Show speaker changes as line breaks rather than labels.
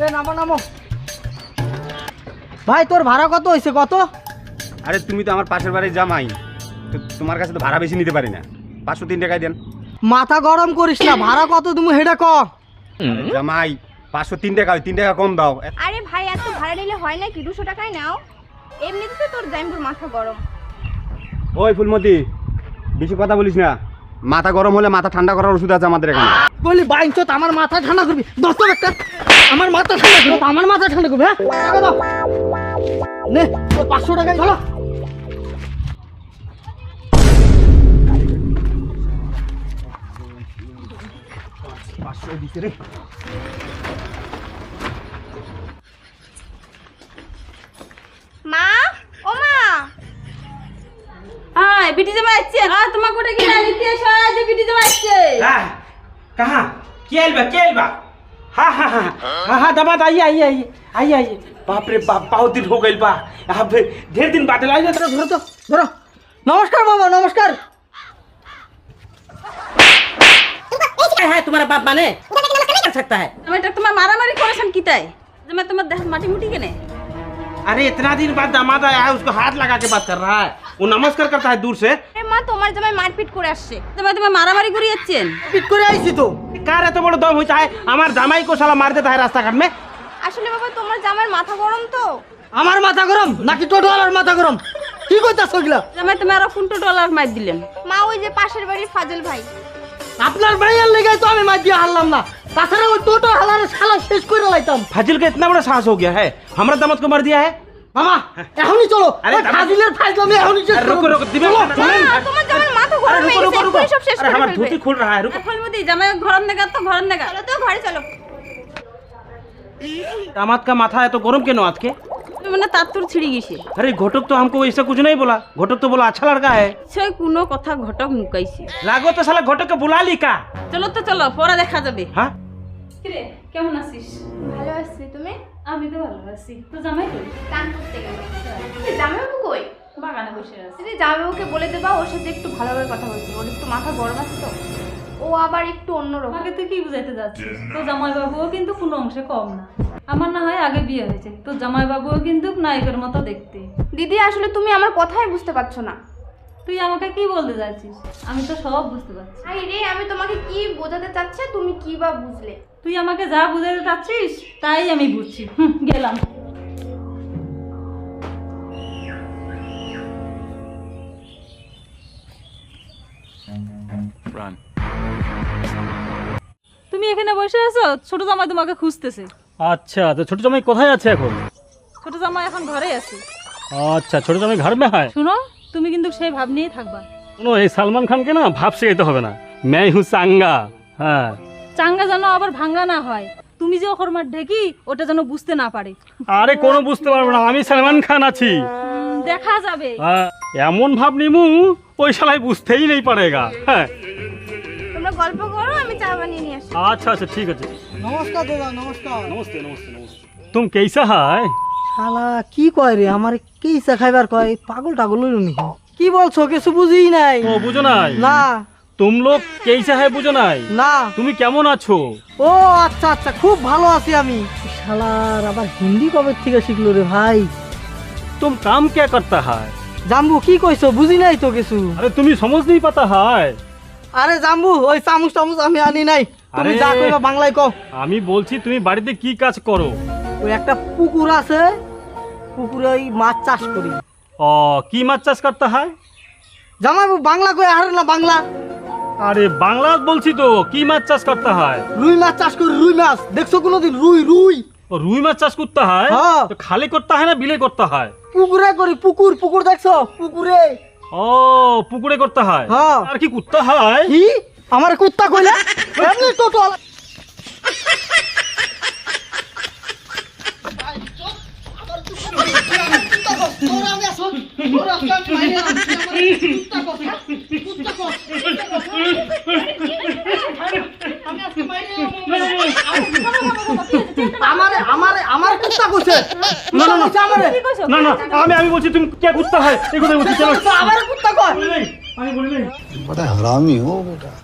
নামো নামো। ভাই তোর ভাড়া কত হয়েছে কত?
আরে তুমি তো আমার পাশের বাড়ির জামাই, তো তোমার কাছে তো ভাড়া বেশি নিতে পারি না, 503 টাকায় দেন।
মাথা গরম করিস না, ভাড়া কত তুমি হেডা ক।
জামাই 503 টাকা, 3 টাকা কম দাও।
আরে ভাই এত ভাড়া নিলে হয় নাকি? 200 টাকায় নাও। এমনিতে তো তোর জামাইবুর মাথা গরম।
ওই ফুলমতি, বেশি কথা বলিস না, মাথা গরম হলে মাথা ঠান্ডা করার ওষুধ আছে আমাদের এখানে।
বলি বাইঞ্চত আমার মাথা ঠান্ডা করবি, দোস্ত একটা আমার মাথা ঠান্ডা করবি, আমার মাথা ঠান্ডা করবি। হ্যাঁ টাকা দাও, নে 500 টাকায় চলো।
মা, ও মা,
हाँ बेटी जमा अच्छे हाँ तुम्हारे कोटे की राजनीति है शायद बेटी जमा अच्छे
हाँ कहाँ केलबा हाँ हाँ हाँ हाँ हाँ दामाद आइए आइए आइए आइए आइए बाप रे बाप बहुत दिन हो गई बा यहाँ पे ढेर दिन बाद लाइए
ধরো ধরো তো ধরো। নমস্কার বাবা, নমস্কার।
है तुम्हारा बाप माने कर सकता है
मैं तो तुम्हारे मारा मारी कोरेशन की ताई जब मैं तुम्हारे देह माटी मुटी के ने
अरे इतना दिन बाद दामाद आया है उसको हाथ लगा के बात कर रहा है वो नमस्कार करता है दूर से
আরে মা তোমার জামাই মারপিট করে আসছে।
जब मैं तुम्हारे मारा मारी करी अच्छे
পিট করে আইছি তো।
कार है तो बड़ा दम होता है हमारे दामाई को साला मार देता है रास्ता घाट में
আসলে বাবা তোমার জামাইয়ের মাথা গরম তো।
আমার মাথা গরম নাকি টোটোওয়ালার মাথা গরম? কি কইতাছ ওগুলা?
जब मैं तुम्हारा कुंटो डॉलर मार दिलेन
মা ওই যে পাশের বাড়ির ফাজল ভাই।
আপনার ভাইয়ের লেগে তো আমি মার দিয়ে হারলাম না, তাছাড়া ওই টোটো হালার শালা শেষ করে লাইতাম।
फाजिल का इतना बड़ा साहस हो गया है हमारा दामाद को मार दिया है
মামা এখনই চলো।
আরে
ওই ফাজিলের ফাজলামি এখনই শেষ করো।
रुको रुको दिमाग
মা, তোমার জামাইয়ের মাথা
अरे
গরম হয়ে
रुको
গেছে,
रुको रुको
এক্ষুনি সব শেষ
अरे
করে
हमारा
ফেলবে।
धोती खुल रहा है रुको
फलमती जब मैं घर में गया तो घर में गया
চলো তো ঘরে চলো।
दामाद का माथा है तो गरम के नौत के
मैंने तातुर छिड़ी गई
अरे घटक तो हमको ऐसा कुछ नहीं बोला घटक तो बोला अच्छा लड़का है
छे कोनो कथा घटक मुकाइছে
लागो तो साला घटक के बुला ली का
চলো তো চলো পরে দেখা যাবে
हाँ
কিরে কেমন আছিস
ভালো আছি, তুমি?
আমি তো ভালো আছি তো জামাই কই
গান করতে গেল। জামাইবাবু কই?
বাগানে বসে আছে
যদি জামাইবাবুকে বলে দেবা ওর সাথে একটু ভালোভাবে কথা বলতে, ওর একটু মাথা গরম আছে তো, ও আবার একটু অন্যরকম।
আমাকে তুই কি বুঝাইতে যাচ্ছিস তো জামাইবাবুও কিন্তু কোনো অংশে কম না আমার না হয় আগে বিয়ে হয়েছে তো জামাইবাবুও কিন্তু নায়কের মতো দেখতে
দিদি আসলে তুমি আমার কথাই বুঝতে পারছো না।
তুই আমাকে কি বলতে যাচ্ছিস আমি তো সব বুঝতে পারছি
আরে রে, আমি তোমাকে কি বোঝাতে চাচ্ছি তুমি কি বা বুঝলে?
তুই আমাকে যা বুঝাতে চাচ্ছিস তাই আমি বুঝছি গেলাম তুমি এখানে বসে আছো ছোট জামাই তোমাকে খুঁজতেছে
अच्छा तो छोटे जमाई কোথায় আছে এখন?
ছোট জামাই এখন ঘরে আছে
अच्छा छोटे जमाई घर में है।
শুনো তুমি কিন্তু সেই ভাব নিয়েই থাকবা
सुनो ये सलमान खान के ना भाव से तो হবে না, मैं हूँ सांगा। हाँ
চাঙ্গা যেন আবার ভাঙ্গা না হয় তুমি যে ওখর মার ঢেকি ওটা যেন বুঝতে না পারে
আরে কোনো বুঝতে পারবে না, আমি সলমান খান আছি।
দেখা যাবে
এমন ভাব নিমু ওই শালাই বুঝতেই নেই পারেগা। হ্যাঁ
তোমরা গল্প করো, আমি চা বানিয়ে নিয়ে আসি।
अच्छा अच्छा ठीक है।
নমস্কার দাদা, নমস্কার।
नमस्ते नमस्ते नमस्ते। तुम कैसा है?
শালা কি কয় রে, আমার কি চা খাইবার কয়, পাগল টাগল হইল নি? কি বলছো কিছু বুঝিই নাই।
ও বুঝো নাই?
না
तुम लोग कैसा है বুঝো নাই?
না।
তুমি কেমন আছো?
ও আচ্ছা আচ্ছা, খুব ভালো আছি আমি। শালার আবার হিন্দি কবে থেকে শিখলো রে ভাই?
तुम काम क्या करता है?
জাম্বু কি কইছো বুঝি নাই তো কিছু।
अरे तुम्हें समझ नहीं पता है?
আরে জাম্বু ওই চামচ টামচ আমি আনি নাই, তুমি
আরে।
যা কইবা বাংলায় কও।
আমি বলছি তুমি বাড়িতে কি কাজ করো?
ওই একটা পুকুর আছে, পুকুরে ওই মাছ চাষ করি।
ও কি মাছ চাষ করতে হয়?
জামাইবু বাংলা কই আর না বাংলা?
আরে বাংলা বলছি তো, কি মাছ চাষ করতে হয়?
রুই মাছ চাষ করি, রুই মাছ দেখছো কোনোদিন? রুই রুই
ও রুই মাছ চাষ করতে হয়?
হ্যাঁ।
তো খালি করতে হয় না বিলে করতে হয়?
পুকুরে করি, পুকুর পুকুর দেখছো পুকুরে।
ও পুকুরে করতে হয়।
হ্যাঁ।
আর কি করতে হয়?
কি আমার কুত্তা কইলা? এমনি টোটো আমারে আমারে আমার কুত্তা কইছে। না না না আমারে
না না আমি বলছি তুমি কে করতে হয় এই কথা বলছি। চলো
আমার কুত্তা কয়।
আমি বলি নাই।
बड़ा हरामी हो बेटा।